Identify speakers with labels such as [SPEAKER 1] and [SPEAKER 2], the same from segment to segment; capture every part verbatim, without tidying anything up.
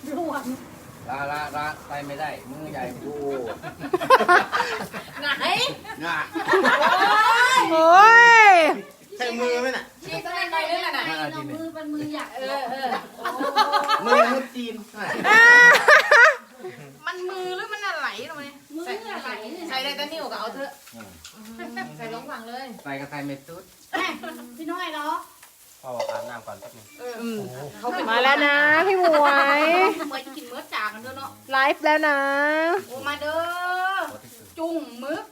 [SPEAKER 1] ร่วง
[SPEAKER 2] ลาลาลาไปไม่ได้มือใหญ่พูด
[SPEAKER 1] ไหน
[SPEAKER 2] น่ะ
[SPEAKER 3] โอ้ย
[SPEAKER 4] ใช้มือไหมน่ะ
[SPEAKER 1] ชีก็ไม่ได้เลยน่ะ
[SPEAKER 2] น้องมือเป็นมืออยาก
[SPEAKER 1] เออเออ
[SPEAKER 4] มือมุดจีน
[SPEAKER 1] มันมือหรือมันอะไรตรงนี้มืออะไรใส่ได้แต่นิ้วก็เอาเถอะใส่ลงฝั่งเลย
[SPEAKER 2] ใส่กระไทยเม็ดตุ๊ด
[SPEAKER 1] พี่น้อยเนาะ
[SPEAKER 4] พ่ออาบน้ำก่อนแป๊บนึง
[SPEAKER 3] อืมมาแล้วนะพี่หมวย
[SPEAKER 1] เหมือนกินเมื่อจากกันด้วยเนาะ
[SPEAKER 3] ไลฟ์แล้วนะ
[SPEAKER 1] โอ้มาเด้อจุ่มมึก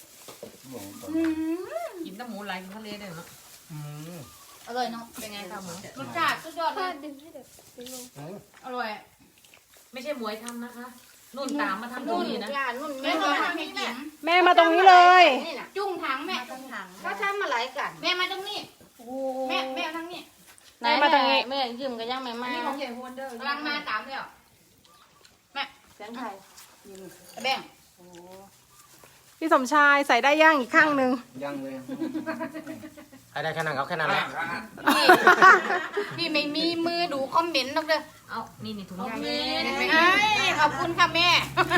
[SPEAKER 5] กินแต่หมูไหลกินทะเลได้เนาะ
[SPEAKER 4] อืม
[SPEAKER 1] อร่อยเนาะเป็นไงคะหมูรสชาติสุดยอดเลยอร่อย
[SPEAKER 5] ไม่ใช่หมวยทำนะคะนุ่นตามมาทำตรง
[SPEAKER 1] นุ่น
[SPEAKER 5] นี้นะ
[SPEAKER 1] ย่านุ่นแม่มาทำให้กิน
[SPEAKER 3] แม่มาตรงนี้เลย
[SPEAKER 1] นี่น่ะจุ่มถังแม่จุ่มถังเขาทำมาหลายกันแม่มาตรงนี้แม่แม่ทั้งนี้
[SPEAKER 3] แม่มาตรงนี้
[SPEAKER 6] แม่ยืมกันยังไม่มา
[SPEAKER 1] นี่ของใหญ่ฮวนเดอร์กำลังมาตามแล้วแม่เสียงไทยแบ่ง
[SPEAKER 3] พี่สมชายใส่ได้ย่างอีกข้างหนึ่ง
[SPEAKER 2] ยังเลย
[SPEAKER 4] ใครได้แค่นั้นเอาแค่นั้นแหละ
[SPEAKER 1] พี่พี่ไม่มีมือดูคอมเมนต์หรอกเด้อ
[SPEAKER 5] เอานี่นี่ถุงยาง
[SPEAKER 1] เอ้ยขอบคุณค่ะแม่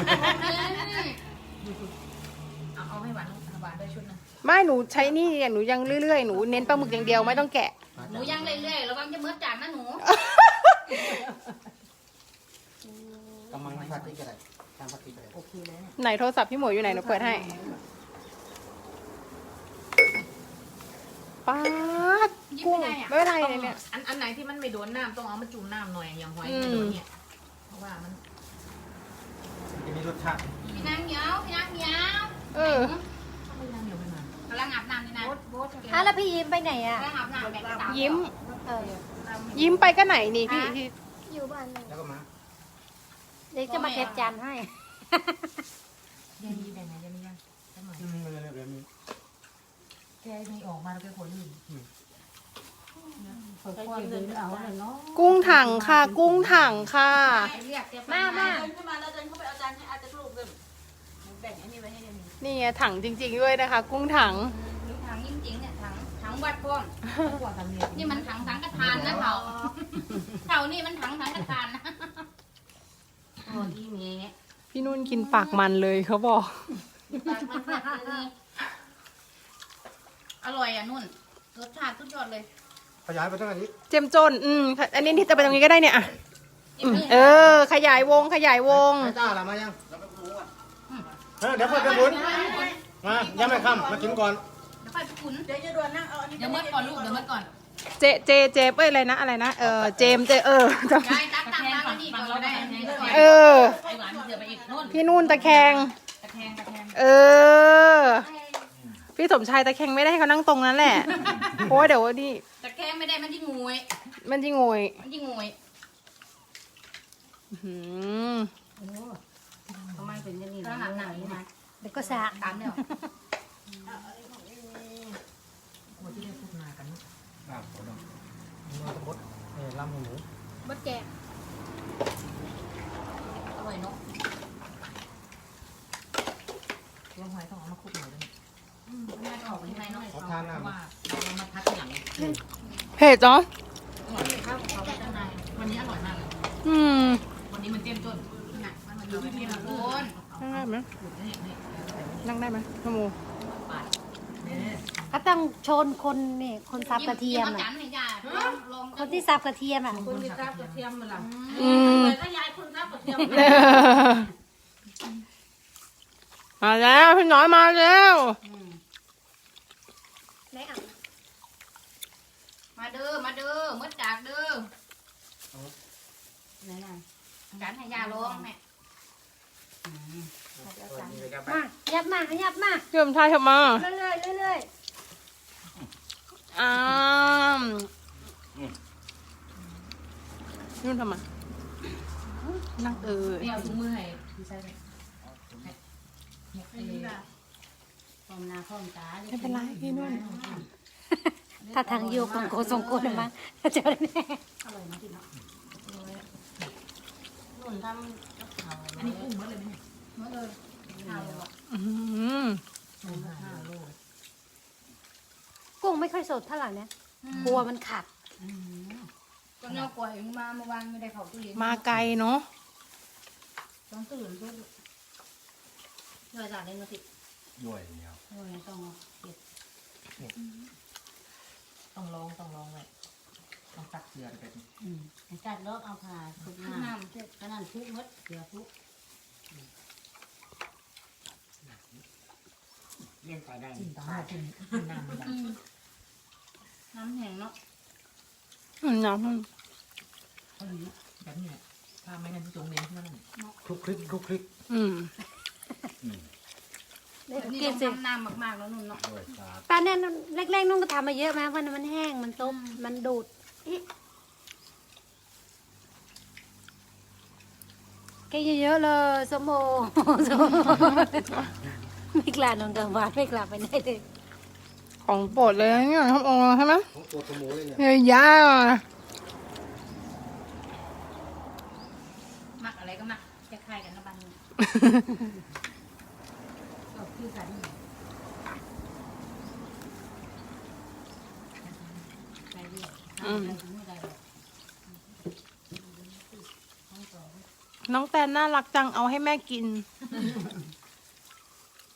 [SPEAKER 5] เอาเอาให้หวานหวานด้วยชุดนึง
[SPEAKER 3] ไม่หนูใช้นี่หนูยังเรื่อยๆหนูเน้นปลาหมึกอย่างเดียวไม่ต้องแกะ
[SPEAKER 1] หนูย่างเรื่อยๆระวังจะเมื่อจานนะหนู
[SPEAKER 4] กำลังพัดที่กระไรทำพัดที่กระไร
[SPEAKER 5] โอเคเลยเนี่ย
[SPEAKER 3] ไหนโทรศัพท์พี่หมวยอยู่ไหนหนูเปิดให้ป๊าดกุ้งไม่เป็นไรเลยเนี่ย
[SPEAKER 5] อันอันไหนที่มันไม่โดนน้ำต้องเอามาจุ่มน้ำหน่อยอย่างหอยไม่โดนเนี่ยเพราะว่ามัน
[SPEAKER 4] จะมีรสชาติ
[SPEAKER 1] พี่นางเหนียวพี่นางเหนียว
[SPEAKER 3] เออ
[SPEAKER 5] ต้องไม่น้ำเหนียวไปมาก
[SPEAKER 1] ำลังอาบน้ำนี่นะ
[SPEAKER 6] อ่ะแล้วพี่ยิ้มไปไหนอ่ะ
[SPEAKER 1] กำลังอาบน้ำแบบสาว
[SPEAKER 3] ยิ้ม
[SPEAKER 6] เออ
[SPEAKER 3] ยิ้มไปก็ไหนนี่พี่พี่
[SPEAKER 6] อยู่บ้านเลย
[SPEAKER 4] แล้วก็มา
[SPEAKER 6] เดี๋ยวจะมาเก็บจานให้
[SPEAKER 5] เดี๋ยวมีแบ่งไหนเดี๋ยวมียังสักหน่อย
[SPEAKER 4] อืมเดี๋ยวเดี๋ยวมี
[SPEAKER 5] แกมีออกมาแล้วแกขนอยู่
[SPEAKER 3] กุ้งถังค่ะ กุ้งถังค่ะ
[SPEAKER 1] เรียกเรียก
[SPEAKER 6] มามา
[SPEAKER 1] เดินขึ้นมาแล้วเดินเข้าไปเอาจานให้อาจจะรูปเดิมแบ่งไอ้นี่ไว้ให้เดี๋ยวนี้
[SPEAKER 3] นี่ไงถังจริง ๆด้วยนะคะ กุ้งถัง
[SPEAKER 1] นี่ถังจริงๆเนี่ยถังถังวัดพวง
[SPEAKER 5] กว่าทำเนี่ย
[SPEAKER 1] นี่มันถังสังฆทานนะเถ่าเถ่านี่มันถังสังฆทานนะโอ้ยเมีย
[SPEAKER 3] พี่นุ่นกินปากมันเลยเขาบอก
[SPEAKER 1] อร่อยอ่ะนุ่นรสชาติสุดยอดเลย
[SPEAKER 4] ขยายไปตั้งแต่นี้
[SPEAKER 3] เจมจน อืมอันนี้ที่จะไปตรงนี้ก็ได้เนี่ยอ่ะอืมเออ ขยายวงขยายวง
[SPEAKER 4] ไอ้ต้าละมายังเออเดี๋ยวค่อยไปบุญมายังไม่ค่ำมากินก่อน
[SPEAKER 1] เดี๋ยวค่อยไปขุน
[SPEAKER 5] เดี๋ยวเมื่อก่อนลูกเดี๋ยวเมื่อก่อน
[SPEAKER 3] เจเจเจเอ้ยอะไรนะอะไรนะเออเจมเจเออจำ
[SPEAKER 1] ยายตักตักมาแล้วนี่ก่อนก็ได้อันนี้ก่อน
[SPEAKER 3] เออ
[SPEAKER 5] ไอหวานเสือไปอีกนู่น
[SPEAKER 3] พี่นุ่นตะแคง
[SPEAKER 5] ตะแคงตะแคง
[SPEAKER 3] เออ พี่สมชายตะแคงไม่ได้ให้เขานั่งตรงนั้นแหละเพราะว่าเดี๋ยวนี่
[SPEAKER 1] แต่แกไม่ได้มันที่งวย
[SPEAKER 3] มันจะงวย
[SPEAKER 1] มันที่งวย
[SPEAKER 3] อื้อหือ
[SPEAKER 1] ทำไมเป็นอย่างนี้นะหนังนี่นะ
[SPEAKER 6] เดี๋ยวก็สะ
[SPEAKER 1] ตามเนี่ย
[SPEAKER 5] หัวที่ได้พูดมากัน
[SPEAKER 2] อ้าวผมต้อง
[SPEAKER 4] มือตะพดเออลำหมู
[SPEAKER 1] บดแกงอร่อยเนาะ
[SPEAKER 5] ตัวหอยต้องเอามาคลุกหน่อยด้วย
[SPEAKER 1] อืมน่าจะออกไปยังไงเนาะ
[SPEAKER 4] ขอทาน
[SPEAKER 5] เพ
[SPEAKER 4] น้
[SPEAKER 5] ราะว่าเรามาพัดอย่าง
[SPEAKER 3] เผ็ดเนาะ
[SPEAKER 1] ข้าวของเขาไปข้างใน
[SPEAKER 5] วันนี้อร่อยมากเลย
[SPEAKER 3] อืม
[SPEAKER 5] วันนี้มันเจ้มจน
[SPEAKER 1] หนักมันอยู่ที่ละคน
[SPEAKER 3] นั่งได้ไหม
[SPEAKER 5] ขูดนี่นี่
[SPEAKER 3] นั่งได้ไหมน้องโม
[SPEAKER 5] ปาดนี่
[SPEAKER 6] ก็ต้องชนคนนี่คนสับกระเทียม
[SPEAKER 1] อ่ะ
[SPEAKER 6] อ่ะ
[SPEAKER 1] ให้ยาลอง
[SPEAKER 6] คนที่สับกระเทียมอ่ะ
[SPEAKER 5] คุณมีข้าวกระเทียมมาละ
[SPEAKER 3] อืม
[SPEAKER 5] ถ้ายายคุณข้าวกระเทียม
[SPEAKER 3] มาแล้วพี่น้อยมาแล้ว
[SPEAKER 1] มาเด้อมาเด้อมืดจากเด้อไหนน่ะการให้ยาลองแม่
[SPEAKER 6] มายับมายับมา
[SPEAKER 3] พี่สมชายทำมา
[SPEAKER 6] เรื่อยๆเรื่อย
[SPEAKER 3] อ้ามนุ่นทำมานั่งเออ
[SPEAKER 5] นี่เอาถุงมือให้พี่ใช่ไหม
[SPEAKER 1] พร้อมหน้าพร้อมตา
[SPEAKER 3] ไม่เป็นไรพี่นุ่น
[SPEAKER 6] ๆถ้าทางโยกของโกสงโกนมั้งจะได้แน่
[SPEAKER 1] อร่อยนะกินเนาะนุ่นทำกับข้าว
[SPEAKER 5] อันนี้กุ้งหมดเลยไหม
[SPEAKER 1] เมื่อเลยข้าวเลยว่ะ
[SPEAKER 3] อื้อหือ
[SPEAKER 5] กุ้งห้าโล
[SPEAKER 6] กุ้งไม่ค่อยสดเท่าไหร่นะกลัวมันขัด
[SPEAKER 1] ก็เนื้อกล้วยมาเมื่อวานไม่ได้เข้าตู้เย็น
[SPEAKER 3] มาไกลเนาะ
[SPEAKER 1] ต้องตื่นเพื่อเพื่อจากเล่นมาสิ
[SPEAKER 2] ด้วยเนี่ย
[SPEAKER 1] โอ้ยต้องเก็บ
[SPEAKER 5] ต้องลองต้องลองเลยต้องตักเกลือไป
[SPEAKER 7] อืมจัดรอบเอาผ่าทุก
[SPEAKER 1] น้
[SPEAKER 7] น้ำ
[SPEAKER 1] ำเจ็บ
[SPEAKER 7] ก็นั่นทุกมดเสือทุก
[SPEAKER 4] เลี้ยงไปได้
[SPEAKER 5] กินต้องมากินกินน้ำมัน
[SPEAKER 1] อืมน้ำแห้งเนาะ
[SPEAKER 3] อืมน้ำมัน
[SPEAKER 5] เขาดีแบบนี้แหละถ้าไม่งั้นจงเลี้ยงที่นั่น
[SPEAKER 4] คลุกคลิกคลุกคลิก
[SPEAKER 3] อืม
[SPEAKER 1] แบบนี้
[SPEAKER 6] กิน
[SPEAKER 1] ต้อง
[SPEAKER 6] สิ
[SPEAKER 1] ทำน้ำมากๆแล้วนุ่นเนาะ
[SPEAKER 2] ด้วยซาบ
[SPEAKER 6] ป้าเนี่ยแรกๆนุ่งก็ทำมาเยอะไหมเพราะมันแห้งมันต้มมันดูดอิแกเยอะๆเลยสมโอสมโอไม่กล้านอนกลางวันไม่กล้าไปไหนเลย
[SPEAKER 3] ของโปรดเลยนะเนี่ยทำโอใช่ไหม
[SPEAKER 4] ของตัวขโมยเลยเนี่ย
[SPEAKER 3] เนี่ยยา
[SPEAKER 1] มักอะไรก็มักจะคล้ายกันนะบ้านนี้
[SPEAKER 7] ก็คือกัน
[SPEAKER 1] ใครเรียก
[SPEAKER 7] ทำอะไรไม่ได้หรอก
[SPEAKER 3] น้องแตนน่ารักจังเอาให้แม่กิน